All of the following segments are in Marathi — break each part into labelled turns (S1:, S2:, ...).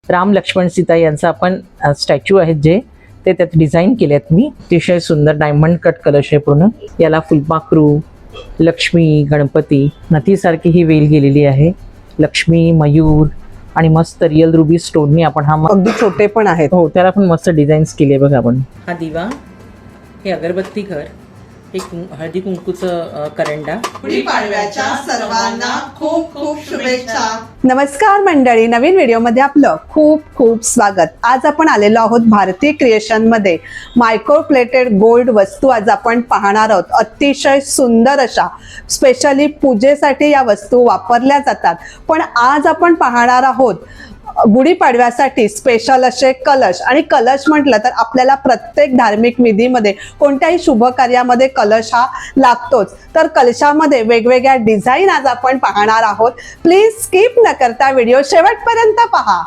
S1: राम लक्ष्मण सीता यांचा आपण स्टॅच्यू आहेत जे ते त्यात डिझाईन केलेत मी. अतिशय सुंदर डायमंड कट कलश आहे पूर्ण. याला फुलपाखरू, लक्ष्मी, गणपती, नथीसारखी ही वेल गेलेली आहे. लक्ष्मी, मयूर आणि मस्त रिअल रुबी स्टोननी आपण हा
S2: अगदी छोटे पण आहेत.
S1: हो, त्याला पण मस्त डिझाईन्स केले बघा आपण. हा दिवा, हे अगरबत्ती घर, हे हळदी कुंकूचं करंडा.
S3: गुढीपाडव्याच्या सर्वांना खूप खूप शुभेच्छा.
S2: नमस्कार मंडळी, नवीन व्हिडिओमध्ये आपलं खूप खूप स्वागत. आज आपण आलेलो आहोत भारती क्रिएशन मध्ये. मायक्रो प्लेटेड गोल्ड वस्तू आज आपण पाहणार आहोत. अतिशय सुंदर अशा स्पेशली पूजेसाठी या वस्तू वापरल्या जातात. पण आज आपण पाहणार आहोत गुढीपाडव्यासाठी स्पेशल असे कलश. आणि कलश म्हटलं तर आपल्याला प्रत्येक धार्मिक विधीमध्ये कोणत्याही शुभ कार्यामध्ये कलश हा लागतोच. तर कलशामध्ये वेगवेगळ्या डिझाईन आज आपण पाहणार आहोत. प्लीज स्किप न करता व्हिडिओ शेवटपर्यंत पहा.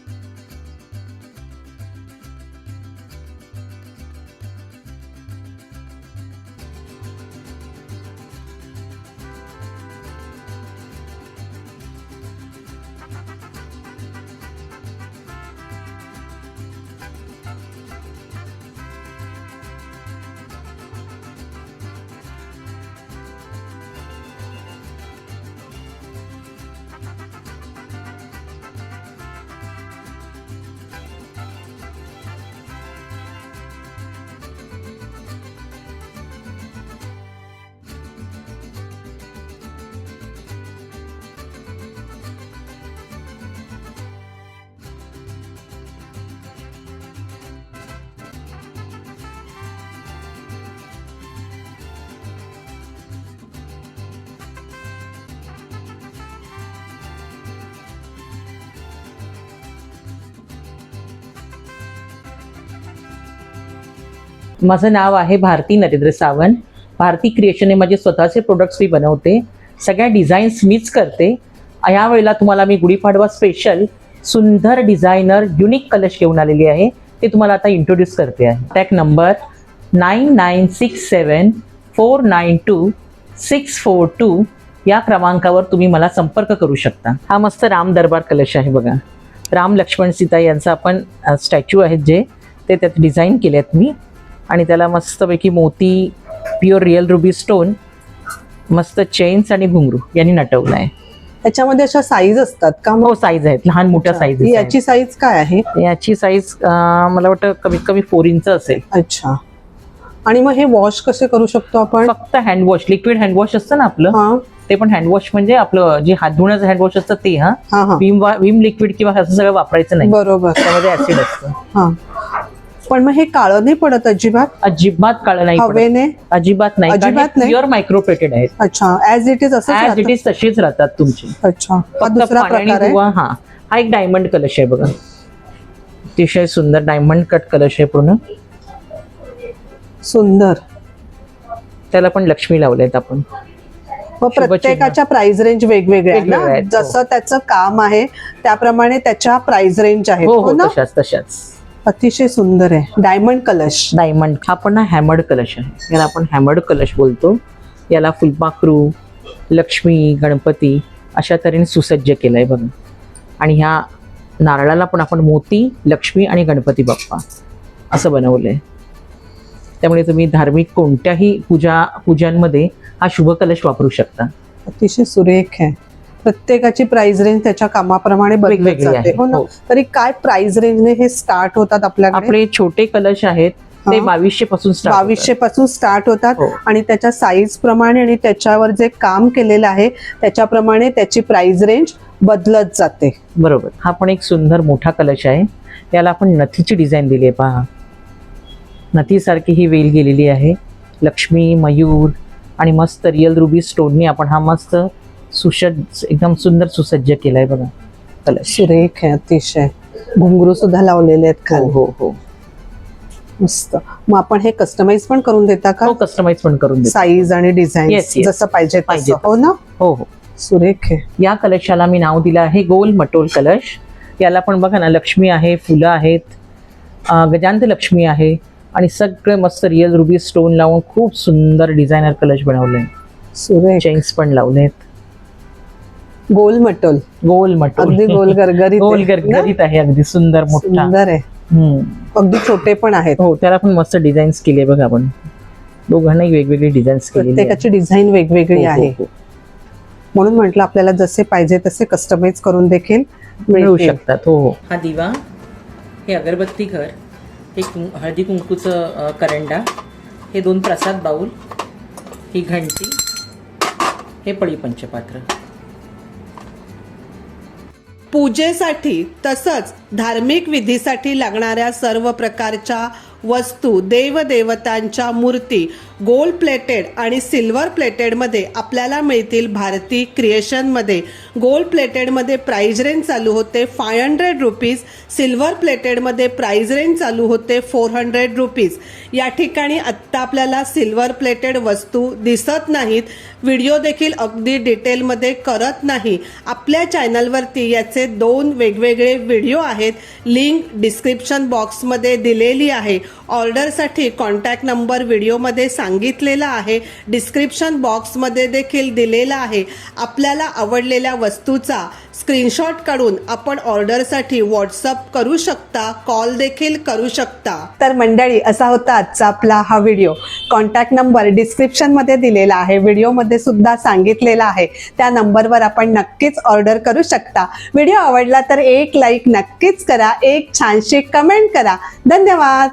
S1: माझं नाव आहे भारती नरेंद्र सावंत. भारती क्रिएशन हे माझे स्वतःचे प्रोडक्ट्स मी बनवते. सगळ्या डिझाईन्स मीच करते. यावेळेला तुम्हाला मी गुढीपाडवा स्पेशल सुंदर डिझायनर युनिक कलश घेऊन आलेली आहे. ते तुम्हाला आता इंट्रोड्यूस करते आहे. टॅग नंबर 9967492642 या क्रमांकावर तुम्ही मला संपर्क करू शकता. हा मस्त राम दरबार कलश आहे बघा. राम लक्ष्मण सीता यांचा आपण स्टॅच्यू आहेत जे ते त्यात डिझाईन केलेत मी. आणि त्याला मस्तपैकी मोती, प्युअर रिअल रुबी स्टोन, मस्त चेन्स आणि घुंगरू यांनी नटवलं आहे.
S2: त्याच्यामध्ये अशा साईज असतात का?
S1: हो, साईज आहेत, लहान मोठ्या साईज.
S2: याची साईज काय आहे?
S1: याची साईज मला वाटतं कमीत कमी 4 इंच असेल.
S2: अच्छा. आणि मग हे वॉश कसे करू शकतो आपण?
S1: फक्त हँडवॉश, लिक्विड हँडवॉश असतं ना आपलं, ते पण हँडवॉश म्हणजे आपलं जे हात धुण्याचं हँडवॉश असतं ते. विम लिक्विड किंवा असं सगळं वापरायचं नाही.
S2: बरोबर.
S1: त्यामध्ये ऍसिड असतं.
S2: पण मग हे काळं नाही पडत अजिबात?
S1: अजिबात काळं नाही
S2: हवेने?
S1: अजिबात नाही.
S2: अजिबात नाही.
S1: प्युअर मायक्रोप्लेटेड आहेत.
S2: अच्छा, ऍज इट इज असं?
S1: ऍज इट इज तशीच राहतात तुमची.
S2: अच्छा. हा दुसरा प्रकार आहे.
S1: हा एक डायमंड कलश आहे बघा. अतिशय सुंदर डायमंड कट कलश आहे पूर्ण.
S2: सुंदर.
S1: त्याला पण लक्ष्मी लावलेत आपण.
S2: प्रत्येकाच्या प्राइस रेंज वेगवेगळ्या आहेत. जसं त्याचं काम आहे त्याप्रमाणे त्याच्या प्राइस रेंज आहेत.
S1: हो, तशाच.
S2: अतिशय सुंदर आहे. डायमंड कलश.
S1: डायमंड हा पण हॅमर्ड कलश आहे. याला आपण हॅमर्ड कलश बोलतो. याला फुलपाखरू, लक्ष्मी, गणपती अशा तऱ्हेने सुसज्ज केलंय बघा. आणि ह्या नारळाला पण आपण मोती, लक्ष्मी आणि गणपती बाप्पा असं बनवलंय. त्यामुळे तुम्ही धार्मिक कोणत्याही पूजांमध्ये हा शुभ कलश वापरू शकता.
S2: अतिशय सुरेख आहे. प्रत्येकाची प्राइस रेंज त्याच्या कामाप्रमाणे बदलत जाते. हो ना. तरी काय प्राइस रेंजने हे स्टार्ट होतात आपल्याकडे?
S1: आपले छोटे कलश आहेत ते 2200 पासून
S2: 2200 पासून स्टार्ट होतात. आणि त्याच्या साईज प्रमाणे आणि त्याच्यावर जे काम केलेलं आहे त्याच्याप्रमाणे त्याची प्राइस रेंज बदलत जाते.
S1: बरोबर. हा पण एक सुंदर मोठा कलश आहे. याला आपण नथीची डिझाईन दिली आहे पहा. नथीसारखी ही वेल गेलेली आहे. लक्ष्मी, मयूर आणि मस्त रिअल रुबी स्टोननी आपण हा मस्त एकदम सुंदर सुसज्ज केलाय बघा कलश.
S2: सुरेख आहे अतिशय. घुंगरू सुद्धा लावलेले आहेत खाली.
S1: हो.
S2: मस्त. मग आपण हे कस्टमाइज पण करून देता का?
S1: हो, कस्टमाइज पण करून देतो.
S2: साईज आणि डिझाईन जसं पाहिजे. हो ना. हो. सुरेख आहे.
S1: या कलशाला मी नाव दिलं आहे गोल मटोल कलश. याला पण बघा ना, लक्ष्मी आहे, फुलं आहेत, गजांत लक्ष्मी आहे आणि सगळे मस्त रिअल रुबी स्टोन लावून खूप सुंदर डिझायनर कलश बनवले.
S2: सुरेख.
S1: चेन्स पण लावलेत.
S2: गोल मटोल,
S1: गोल मटोल.
S2: अगदी गोल गरगरीत
S1: गोल
S2: आहे ना?
S1: गरगरीत आहे, अगदी सुंदर मोठा.
S2: सुंदर आहे,
S1: हम्म.
S2: अगदी छोटे पण आहेत.
S1: हो, त्याला पण मस्त डिझाईन्स केले बघा आपण. दोघांनाही वेगवेगळी डिझाईन्स केलेली आहे.
S2: प्रत्येकाची डिझाईन वेगवेगळी
S1: हो, हो,
S2: आहे.
S1: हो.
S2: म्हणून म्हटलं आपल्याला जसे पाहिजे तसे कस्टमाइज करून देखील
S1: मिळू
S2: मिळतील.
S1: शकतात. हो हो. हा दिवा, हे अगरबत्ती घर, हे हळदी कुंकूचं करंडा, हे 2 प्रसाद बाऊल, ही घंटी, हे पळी पंचपात्र.
S2: पूजेसाठी तसंच धार्मिक विधीसाठी लागणाऱ्या सर्व प्रकारच्या वस्तू, देवदेवतांच्या मूर्ती गोल्ड प्लेटेड आणि सिल्वर प्लेटेडमध्ये आपल्याला मिळतील भारती क्रिएशनमध्ये. गोल्ड प्लेटेडमध्ये प्राइस रेंज चालू होते 500 रुपीज, सिल्वर प्लेटेडमध्ये प्राइस रेंज चालू होते 400 रुपीज. या ठिकाणी आत्ता आपल्याला सिल्वर प्लेटेड वस्तू दिसत नाहीत. व्हिडिओ देखील अगदी डिटेलमध्ये करत नाही. आपल्या चॅनलवरती याचे 2 वेगवेगळे व्हिडिओ आहेत, लिंक डिस्क्रिप्शन बॉक्समध्ये दिलेली आहे. ऑर्डरसाठी कॉन्टॅक्ट नंबर व्हिडिओमध्ये सांगितलेला आहे, डिस्क्रिप्शन बॉक्समध्ये देखील दिलेला आहे. आपल्याला आवडलेल्या वस्तूचा स्क्रीनशॉट काढून आपण ऑर्डरसाठी व्हॉट्सअप करू शकता, कॉल देखील करू शकता. तर मंडळी, असा होता आजचा आपला हा व्हिडिओ. कॉन्टॅक्ट नंबर डिस्क्रिप्शनमध्ये दिलेला आहे, व्हिडिओमध्ये सुद्धा सांगितलेला आहे. त्या नंबरवर आपण नक्कीच ऑर्डर करू शकता. व्हिडिओ आवडला तर एक लाईक नक्कीच करा, एक छानशी कमेंट करा. धन्यवाद.